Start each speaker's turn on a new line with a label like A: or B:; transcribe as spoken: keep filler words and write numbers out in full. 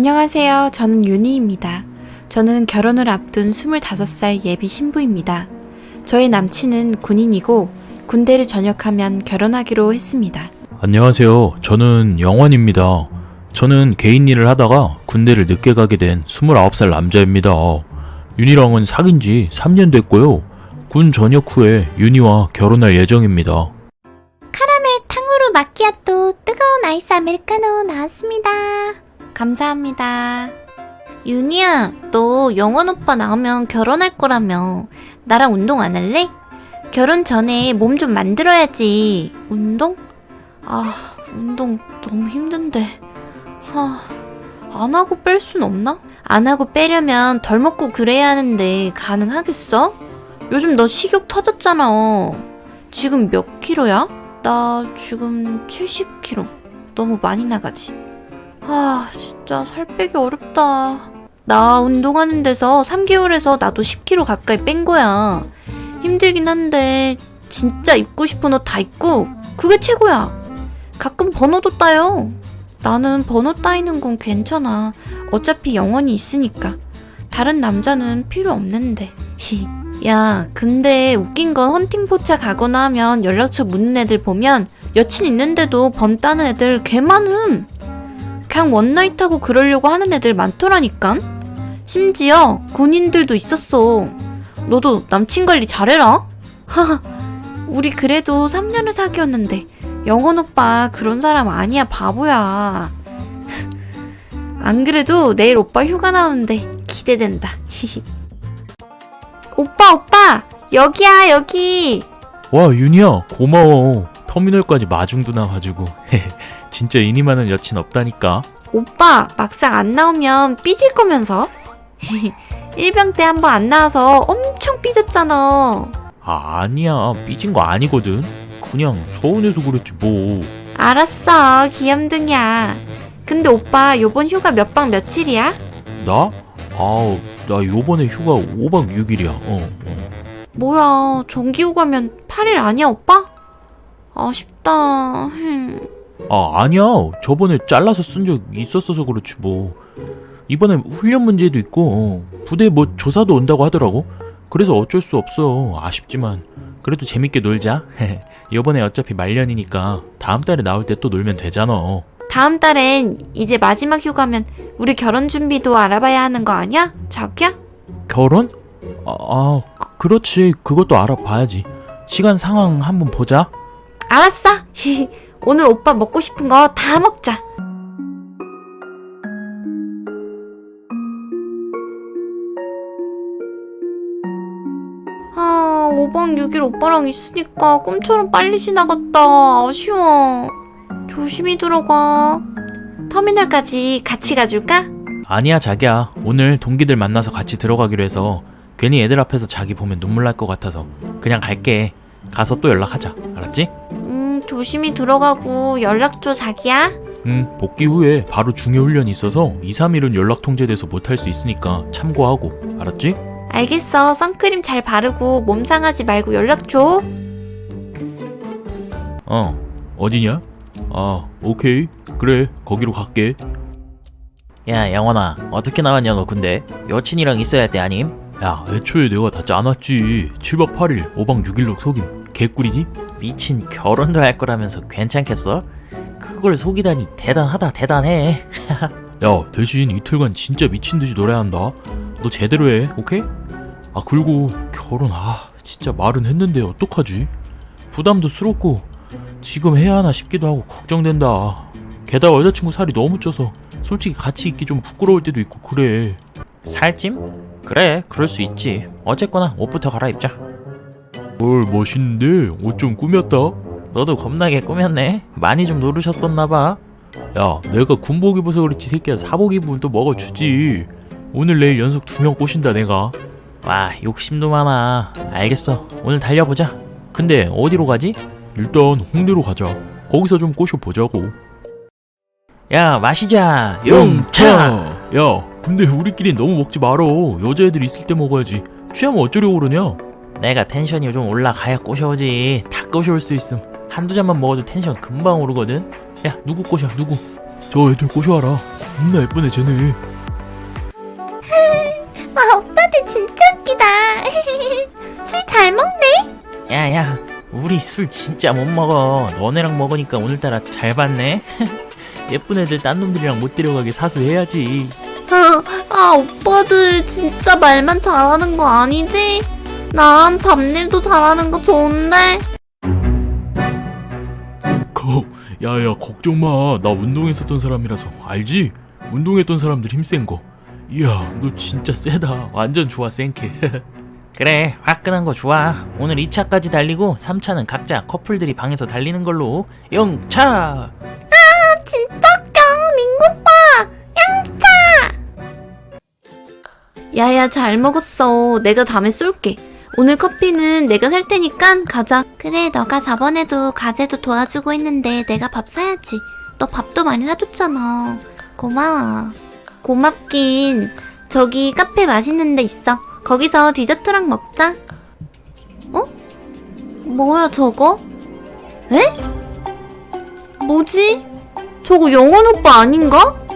A: 안녕하세요. 저는 윤희입니다. 저는 결혼을 앞둔 스물다섯 살 예비 신부입니다. 저의 남친은 군인이고 군대를 전역하면 결혼하기로 했습니다.
B: 안녕하세요. 저는 영원입니다. 저는 개인 일을 하다가 군대를 늦게 가게 된 스물아홉 살 남자입니다. 윤희랑은 사귄 지 삼 년 됐고요. 군 전역 후에 윤희와 결혼할 예정입니다.
C: 카라멜 탕후루 마키아또 뜨거운 아이스 아메리카노 나왔습니다.
A: 감사합니다.
C: 윤희야, 너 영원 오빠 나오면 결혼할 거라며. 나랑 운동 안 할래? 결혼 전에 몸 좀 만들어야지. 운동? 아, 운동 너무 힘든데. 아, 안 하고 뺄 순 없나? 안 하고 빼려면 덜 먹고 그래야 하는데 가능하겠어? 요즘 너 식욕 터졌잖아. 지금 몇 킬로야? 나 지금 칠십 킬로그램. 너무 많이 나가지? 아, 진짜 살 빼기 어렵다. 나 운동하는 데서 삼 개월에서 나도 십 킬로그램 가까이 뺀 거야. 힘들긴 한데 진짜 입고 싶은 옷 다 입고 그게 최고야. 가끔 번호도 따요. 나는 번호 따이는 건 괜찮아. 어차피 영원히 있으니까. 다른 남자는 필요 없는데. 야, 근데 웃긴 건 헌팅 포차 가거나 하면 연락처 묻는 애들 보면 여친 있는데도 번 따는 애들 개 많음. 그냥 원나잇 하고 그러려고 하는 애들 많더라니깐. 심지어 군인들도 있었어. 너도 남친 관리 잘해라. 하하, 우리 그래도 삼 년을 사귀었는데 영원 오빠 그런 사람 아니야, 바보야. 안 그래도 내일 오빠 휴가 나오는데 기대된다. 오빠 오빠 여기야 여기.
B: 와, 윤희야, 고마워. 터미널까지 마중도 나와가지고. 진짜 인이 많은 여친 없다니까.
A: 오빠 막상 안 나오면 삐질 거면서. 일병 때 한 번 안 나와서 엄청 삐졌잖아.
B: 아, 아니야. 삐진 거 아니거든. 그냥 서운해서 그랬지 뭐.
A: 알았어, 귀염둥이야. 근데 오빠 요번 휴가 몇 박 며칠이야?
B: 나? 아, 나 요번에 휴가 오 박 육 일이야. 어, 어.
A: 뭐야, 정기 휴가면 팔 일 아니야 오빠? 아쉽다. 흠.
B: 아, 아니야. 저번에 잘라서 쓴 적 있었어서 그렇지 뭐. 이번에 훈련 문제도 있고 어, 부대에 뭐 조사도 온다고 하더라고. 그래서 어쩔 수 없어. 아쉽지만 그래도 재밌게 놀자. 이번에 어차피 말년이니까 다음 달에 나올 때 또 놀면 되잖아.
A: 다음 달엔 이제 마지막 휴가면 우리 결혼 준비도 알아봐야 하는 거 아니야? 자기야?
B: 결혼? 아, 아 그, 그렇지. 그것도 알아봐야지. 시간 상황 한번 보자.
A: 알았어. 오늘 오빠 먹고 싶은 거 다 먹자. 아, 오 박 육 일 오빠랑 있으니까 꿈처럼 빨리 지나갔다. 아쉬워. 조심히 들어가. 터미널까지 같이 가줄까?
B: 아니야, 자기야. 오늘 동기들 만나서 같이 들어가기로 해서 괜히 애들 앞에서 자기 보면 눈물 날 것 같아서 그냥 갈게. 가서 또 연락하자. 알았지?
A: 음, 조심히 들어가고 연락 줘, 자기야.
B: 응, 복귀 후에 바로 중요 훈련이 있어서 이, 삼 일은 연락 통제돼서 못할 수 있으니까 참고하고. 알았지?
A: 알겠어. 선크림 잘 바르고 몸 상하지 말고 연락 줘.
B: 어, 어디냐? 아, 오케이. 그래, 거기로 갈게.
D: 야, 영원아, 어떻게 나왔냐 너 근데? 여친이랑 있어야 할 때 아님?
B: 야, 애초에 내가 다 짜놨지. 칠 박 팔 일, 오 박 육 일로 속임. 개꿀이지?
D: 미친, 결혼도 할 거라면서 괜찮겠어? 그걸 속이다니 대단하다, 대단해.
B: 야, 대신 이틀간 진짜 미친듯이 노래야 한다. 너 제대로 해, 오케이? 아, 그리고 결혼, 아, 진짜 말은 했는데 어떡하지? 부담도 스럽고 지금 해야 하나 싶기도 하고 걱정된다. 게다가 여자친구 살이 너무 쪄서 솔직히 같이 있기 좀 부끄러울 때도 있고 그래.
D: 살찜? 그래, 그럴 수 있지. 어쨌거나 옷부터 갈아입자.
B: 뭘 멋있는데? 옷 좀 꾸몄다?
D: 너도 겁나게 꾸몄네. 많이 좀 노르셨었나봐.
B: 야, 내가 군복 입어서 그렇지 새끼야. 사복 입으면 또 먹어주지. 오늘 내일 연속 두 명 꼬신다 내가.
D: 와, 욕심도 많아. 알겠어, 오늘 달려보자. 근데 어디로 가지?
B: 일단 홍대로 가자. 거기서 좀 꼬셔보자고.
D: 야, 마시자.
B: 용차! 야, 근데 우리끼리 너무 먹지 말어. 여자애들 있을 때 먹어야지. 취하면 어쩌려고 그러냐?
D: 내가 텐션이 좀 올라가야 꼬셔오지. 다 꼬셔올 수 있음. 한두 잔만 먹어도 텐션 금방 오르거든. 야, 누구 꼬셔, 누구?
B: 저 애들 꼬셔와라. 존나 예쁘네 쟤네.
C: 와, 오빠들 진짜 웃기다. 술 잘 먹네.
D: 야야, 우리 술 진짜 못 먹어. 너네랑 먹으니까 오늘따라 잘 봤네. 예쁜 애들 딴 놈들이랑 못 데려가게 사수해야지.
C: 아, 오빠들 진짜 말만 잘하는 거 아니지? 난 밤일도 잘하는 거 좋은데.
B: 거, 야야 걱정 마. 나 운동했었던 사람이라서 알지? 운동했던 사람들 힘센 거. 이야 너 진짜 세다. 완전 좋아 센케.
D: 그래, 화끈한 거 좋아. 오늘 이 차까지 달리고 삼 차는 각자 커플들이 방에서 달리는 걸로. 영차!
C: 진짜 웃겨, 민구오빠. 양차. 야야, 잘 먹었어. 내가 다음에 쏠게. 오늘 커피는 내가 살 테니까 가자. 그래, 너가 저번에도 과제도 도와주고 했는데 내가 밥 사야지. 너 밥도 많이 사줬잖아. 고마워. 고맙긴. 저기 카페 맛있는 데 있어. 거기서 디저트랑 먹자. 어? 뭐야 저거? 에? 뭐지? 저거 영원 오빠 아닌가?